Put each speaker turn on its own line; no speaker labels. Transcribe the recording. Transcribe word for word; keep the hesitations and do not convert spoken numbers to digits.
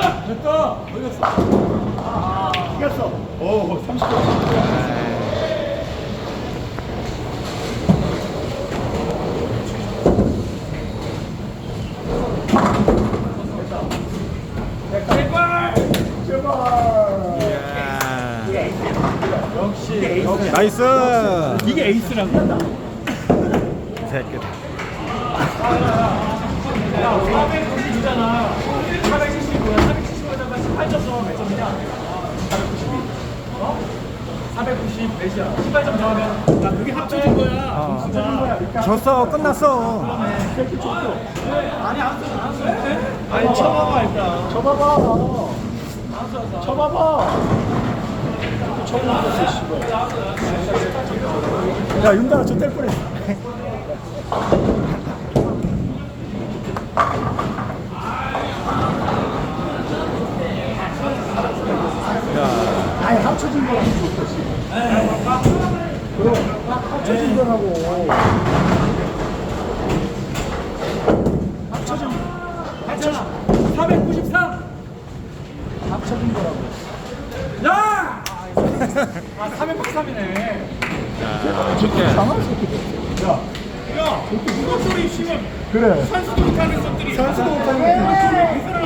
됐다. 걸렸어.
이겼어. 오, 삼십 점.
제발.
제발.
역시. 역시.
나이스.
이게 에이스라고.
새끼다.
사백구십이잖아. 사백칠십이야. 사백칠십에다가 십팔 점 더하면 몇 점이냐? 사백구십이. 어? 사백구십 몇이야? 십팔 점 더하면 야 그게 합쳐진 거야. 점수가. 거야.
졌어. 끝났어.
아니 안 써. 안 써. 아니 쳐봐봐 일단.
쳐봐봐.
안 써.
쳐봐봐. 쳐봐봐. 야, 윤다가 저뗄 뻔했어. 아니, 합쳐진 거라고 좋겠지. 그럼, 합쳐진 거라고. 합쳐진,
괜찮아. 사백구십삼.
합쳐진 거라고.
야! 아 사백구십삼이네.
좋게.
장할 새끼. 야,
야, 누가 소리 치면
그래.
산수도 못하는 것들이
산수도 못하는 것들이.